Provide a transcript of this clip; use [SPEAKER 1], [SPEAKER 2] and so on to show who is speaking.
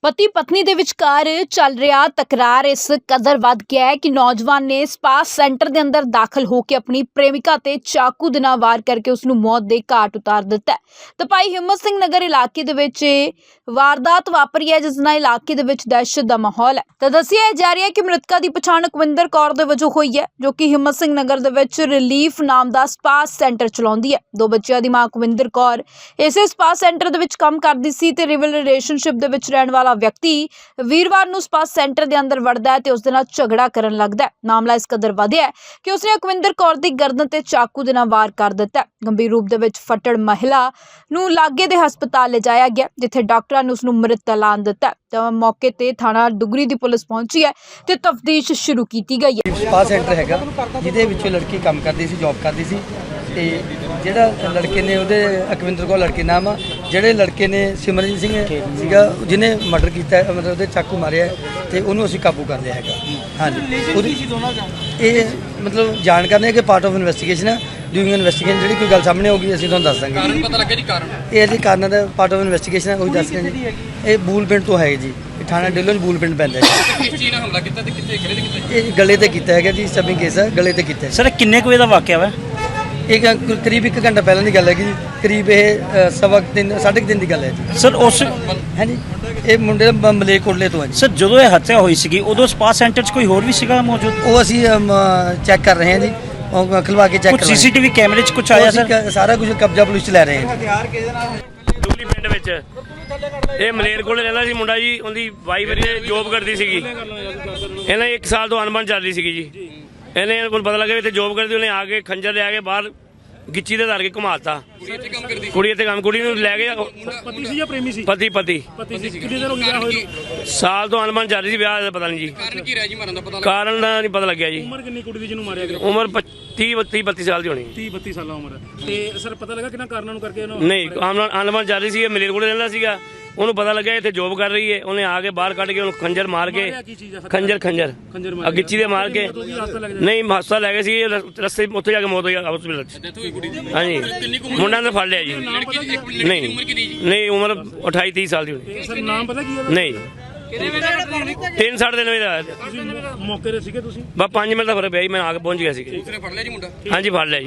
[SPEAKER 1] पति पत्नी ਦੇ ਵਿਚਕਾਰ ਚੱਲ ਰਿਹਾ ਤਕਰਾਰ ਇਸ ਕਦਰ ਵੱਧ ਗਿਆ ਹੈ ਕਿ ਨੌਜਵਾਨ ਨੇ ਸਪਾ ਸੈਂਟਰ ਦੇ ਅੰਦਰ ਦਾਖਲ ਹੋ ਕੇ ਆਪਣੀ ਪ੍ਰੇਮਿਕਾ ਤੇ ਚਾਕੂ ਦੇ ਨਾਲ ਵਾਰ ਕਰਕੇ ਉਸ ਨੂੰ ਮੌਤ ਦੇ ਘਾਟ ਉਤਾਰ ਦਿੱਤਾ ਹੈ। ਤਾਂ ਭਾਈ ਹਿੰਮਤ ਸਿੰਘ ਨਗਰ ਇਲਾਕੇ ਦੇ ਵਿੱਚ ਵਾਰਦਾਤ ਵਾਪਰੀ ਹੈ, ਜਿਸ ਨਾਲ ਇਲਾਕੇ ਦੇ ਵਿੱਚ ਦਹਿਸ਼ਤ ਦਾ ਮਾਹੌਲ ਹੈ। ਤਾਂ ਦੱਸਿਆ ਜਾ ਰਿਹਾ ਹੈ ਕਿ ਮ੍ਰਿਤਕਾ ਦੀ ਪਛਾਣ ਕੁਵਿੰਦਰ ਕੌਰ ਦੇ ਵਜੋਂ ਹੋਈ ਹੈ, ਜੋ ਕਿ ਹਿੰਮਤ ਸਿੰਘ ਨਗਰ ਦੇ ਵਿੱਚ ਰਿਲੀਫ ਨਾਮ ਦਾ ਸਪਾ ਸੈਂਟਰ ਚਲਾਉਂਦੀ ਹੈ। ਦੋ ਬੱਚਿਆਂ ਦੀ ਮਾਂ ਕੁਵਿੰਦਰ ਕੌਰ ਇਸੇ ਸਪਾ ਸੈਂਟਰ ਦੇ ਵਿੱਚ ਕੰਮ ਕਰਦੀ ਸੀ ਤੇ ਰਿਵਲ ਰਿਲੇਸ਼ਨਸ਼ਿਪ ਦੇ ਵਿੱਚ ਰਹਿਣ ਵਾਲਾ ਵਿਅਕਤੀ ਵੀਰਵਾਰ ਨੂੰ ਸਪਾ ਸੈਂਟਰ ਦੇ ਅੰਦਰ ਵੜਦਾ ਹੈ ਤੇ ਉਸ ਦੇ ਨਾਲ ਝਗੜਾ ਕਰਨ ਲੱਗਦਾ ਹੈ। ਮਾਮਲਾ ਇਸ ਕਦਰ ਵਧਿਆ ਕਿ ਉਸਨੇ ਕੁਵਿੰਦਰ ਕੌਰ ਦੀ ਗਰਦਨ ਤੇ ਚਾਕੂ ਦੇ ਨਾਲ ਵਾਰ ਕਰ ਦਿੱਤਾ। ਗੰਭੀਰ ਰੂਪ ਦੇ ਵਿੱਚ ਫੱਟੜ ਮਹਿਲਾ ਨੂੰ ਲਾਗੇ ਦੇ ਹਸਪਤਾਲ ਲਿਜਾਇਆ ਗਿਆ, ਜਿੱਥੇ ਡਾਕਟਰਾਂ ਨੇ ਉਸ ਨੂੰ ਮ੍ਰਿਤ ਐਲਾਨ ਦਿੱਤਾ। ਤਾਂ ਮੌਕੇ ਤੇ ਥਾਣਾ ਡੁਗਰੀ ਦੀ ਪੁਲਿਸ ਪਹੁੰਚੀ ਹੈ ਤੇ ਤਫਤੀਸ਼ ਸ਼ੁਰੂ ਕੀਤੀ ਗਈ ਹੈ।
[SPEAKER 2] ਸਪਾ ਸੈਂਟਰ ਹੈਗਾ ਜਿਹਦੇ ਵਿੱਚ ਲੜਕੀ ਕੰਮ ਕਰਦੀ ਸੀ, ਜੌਬ ਕਰਦੀ ਸੀ ਤੇ ਜਿਹੜਾ ਲੜਕੇ ਨੇ ਉਹਦੇ ਅਕਵਿੰਦਰ ਕੌਰ ਲੜਕੇ ਨਾਮ ਆ, ਜਿਹੜੇ ਲੜਕੇ ਨੇ ਸਿਮਰਨਜੀਤ ਸਿੰਘ ਸੀਗਾ ਜਿਹਨੇ ਮਰਡਰ ਕੀਤਾ, ਮਤਲਬ ਉਹਦੇ ਚਾਕੂ ਮਾਰਿਆ ਤੇ ਉਹਨੂੰ ਅਸੀਂ ਕਾਬੂ ਕਰ ਲਿਆ ਹੈਗਾ। ਹਾਂਜੀ, ਇਹ ਮਤਲਬ ਜਾਣ ਕਰਨੇ ਕਿ ਪਾਰਟ ਆਫ ਇਨਵੈਸਟੀਗੇਸ਼ਨ ਹੈ। ਡੂਇੰਗ ਇਨਵੈਸਟੀਗੇਸ਼ਨ ਜਿਹੜੀ ਕੋਈ ਗੱਲ ਸਾਹਮਣੇ ਹੋਊਗੀ ਅਸੀਂ ਤੁਹਾਨੂੰ ਦੱਸ ਦਾਂਗੇ। ਕਾਰਨ ਪਤਾ ਲੱਗਿਆ ਜੀ? ਕਾਰਨ ਇਹ ਜੀ ਕਾਰਨ ਦਾ ਪਾਰਟ ਆਫ ਇਨਵੈਸਟੀਗੇਸ਼ਨ ਹੈ, ਉਹੀ ਦੱਸ ਰਹੇ ਜੀ। ਇਹ ਬੂਲ ਪਿੰਡ ਤੋਂ ਹੈ ਜੀ, ਥਾਣਾ ਢਿੱਲੋਂ ਬੂਲ ਪਿੰਡ ਪੈਂਦਾ ਹੈ।
[SPEAKER 3] ਕਿਸ ਚੀਜ਼ ਨਾਲ ਹਮਲਾ ਕੀਤਾ ਤੇ ਕਿੱਥੇ ਗਲੇ ਤੇ ਕੀਤਾ?
[SPEAKER 2] ਇਹ ਗਲੇ ਤੇ ਕੀਤਾ ਹੈਗਾ ਜੀ, ਸਟਬਿੰਗ ਕੇਸ ਹੈ, ਗਲੇ ਤੇ ਕੀਤਾ।
[SPEAKER 4] ਸਰ ਕਿੰਨੇ ਕੁ ਵਜੇ ਦਾ ਵਾਕਿਆ ਵਾ?
[SPEAKER 2] ਇਹ ਕਰੀਬ 1 ਘੰਟਾ ਪਹਿਲਾਂ ਦੀ ਗੱਲ ਹੈਗੀ ਜੀ, ਕਰੀਬ ਇਹ ਸਵਾ 3:30 ਦੀ ਗੱਲ ਹੈ ਜੀ।
[SPEAKER 4] ਸਰ ਉਸ
[SPEAKER 2] ਹਾਂਜੀ, ਇਹ ਮੁੰਡੇ ਮਲੇਰਕੋਟਲੇ ਤੋਂ ਹੈ ਜੀ।
[SPEAKER 4] ਸਰ ਜਦੋਂ ਇਹ ਹੱਤਿਆ ਹੋਈ ਸੀਗੀ ਉਦੋਂ ਸਪਾ ਸੈਂਟਰ 'ਚ ਕੋਈ ਹੋਰ ਵੀ ਸੀਗਾ ਮੌਜੂਦ?
[SPEAKER 2] ਉਹ ਅਸੀਂ ਚੈੱਕ ਕਰ ਰਹੇ ਹਾਂ ਜੀ, ਉਹ ਖਲਵਾ ਕੇ ਚੈੱਕ
[SPEAKER 4] ਕੁਝ
[SPEAKER 2] ਕਰ ਰਹੇ ਹਾਂ।
[SPEAKER 4] ਸੀਸੀਟੀਵੀ ਕੈਮਰੇ 'ਚ ਕੁਝ ਆਇਆ ਸਰ?
[SPEAKER 2] ਸਾਰਾ ਕੁਝ ਕਬਜ਼ਾ ਪੁਲਿਸ 'ਚ ਲੈ ਰਹੇ ਹਾਂ।
[SPEAKER 5] ਡੁਗਲੀ ਪਿੰਡ ਵਿੱਚ ਇਹ ਮਲੇਰਕੋਟਲੇ ਰਹਿੰਦਾ ਸੀ ਮੁੰਡਾ ਜੀ, ਉਹਦੀ ਵਾਈਫ ਜੋਬ ਕਰਦੀ ਸੀਗੀ। ਇਹਨਾਂ 1 ਸਾਲ ਤੋਂ ਅਣਬਣ ਚੱਲਦੀ ਸੀਗੀ ਜੀ। ਇਹਨੇ ਕੋਲ ਪਤਾ ਲੱਗਿਆ ਵੀ ਇੱਥੇ ਜੋਬ ਕਰਦੀ, ਉਹਨੇ ਆ ਕੇ ਖੰਜਰ ਲਿਆ ਕੇ ਬਾਹਰ ਗਿੱਚੀ ਦੇ ਧਰ ਕੇ ਘੁਮਾਤਾ। ਕੁੜੀ ਇੱਥੇ ਕੰਮ, ਕੁੜੀ ਨੂੰ ਲੈ ਕੇ
[SPEAKER 6] ਪਤੀ ਸੀ ਜਾਂ ਪ੍ਰੇਮੀ ਸੀ?
[SPEAKER 5] ਪਤੀ
[SPEAKER 6] ਸੀ। ਕਿੰਨੀ ਦੇਰ ਹੋ ਗਈ ਵਿਆਹ ਹੋਏ ਨੂੰ?
[SPEAKER 5] ਸਾਲ ਤੋਂ ਅਣਬਣ ਚੱਲ ਰਹੀ ਸੀ, ਵਿਆਹ ਦਾ ਪਤਾ ਨਹੀਂ ਜੀ।
[SPEAKER 3] ਕਾਰਨ ਕੀ ਰਹਿ ਜੀ ਮਾਰਨ ਦਾ ਪਤਾ
[SPEAKER 5] ਕਾਰਨ ਦਾ ਨਹੀਂ ਪਤਾ ਲੱਗਿਆ ਜੀ।
[SPEAKER 6] ਉਮਰ ਕਿੰਨੀ ਕੁੜੀ ਦੀ ਜਿਹਨੂੰ ਮਾਰਿਆ ਗਿਆ?
[SPEAKER 5] ਉਮਰ 30-32 ਸਾਲ ਦੀ ਹੋਣੀ।
[SPEAKER 6] 30-32 ਸਾਲਾਂ ਉਮਰ। ਤੇ ਸਰ ਪਤਾ ਲੱਗਾ ਕਿੰਨਾ ਕਾਰਨਾਂ ਨੂੰ ਕਰਕੇ ਇਹਨੂੰ?
[SPEAKER 5] ਨਹੀਂ, ਅਣਬਣ ਚੱਲ ਰਹੀ ਸੀ। ਇਹ ਮਲੇਰਕੋਟਲੇ ਰਹਿੰਦਾ ਸੀਗਾ, ਉਹਨੂੰ ਪਤਾ ਲੱਗਿਆ ਇੱਥੇ ਜੋਬ ਕਰ ਰਹੀ ਹੈ। ਉਹਨੇ ਆ ਕੇ ਬਾਹਰ ਕੱਢ ਕੇ ਉਹਨੂੰ ਖੰਜਰ ਮਾਰ ਕੇ, ਖੰਜਰ ਗਿੱਚੀ ਦੇ ਮਾਰ ਕੇ, ਨਹੀਂ ਹਸਪਤਾਲ ਲੈ ਗਏ ਸੀ। ਰਸਤੇ ਉੱਥੇ ਜਾ ਕੇ ਮੌਤ ਹੋਈ ਹਸਪਤਾਲ 'ਚ। ਹਾਂਜੀ, ਮੁੰਡਾ ਨੇ ਫੜ ਲਿਆ ਜੀ। ਨਹੀਂ, ਉਮਰ 28-30 ਸਾਲ ਦੀ ਹੋਣੀ।
[SPEAKER 6] ਸਰ ਨਾਮ ਪਤਾ ਕੀ ਹੈ?
[SPEAKER 5] ਨਹੀਂ, 3-3.5 ਦਿਨ ਦਾ।
[SPEAKER 6] ਤੁਸੀਂ ਮੌਕੇ ਤੇ ਸੀਗੇ ਤੁਸੀਂ?
[SPEAKER 5] ਬਸ 5 ਮਿੰਟ ਦਾ ਫਰਕ ਪਿਆ ਜੀ, ਮੈਂ ਆ ਕੇ ਪਹੁੰਚ ਗਿਆ ਸੀ।
[SPEAKER 3] ਫੜ ਲਿਆ ਜੀ ਮੁੰਡਾ?
[SPEAKER 5] ਹਾਂਜੀ, ਫੜ ਲਿਆ ਜੀ।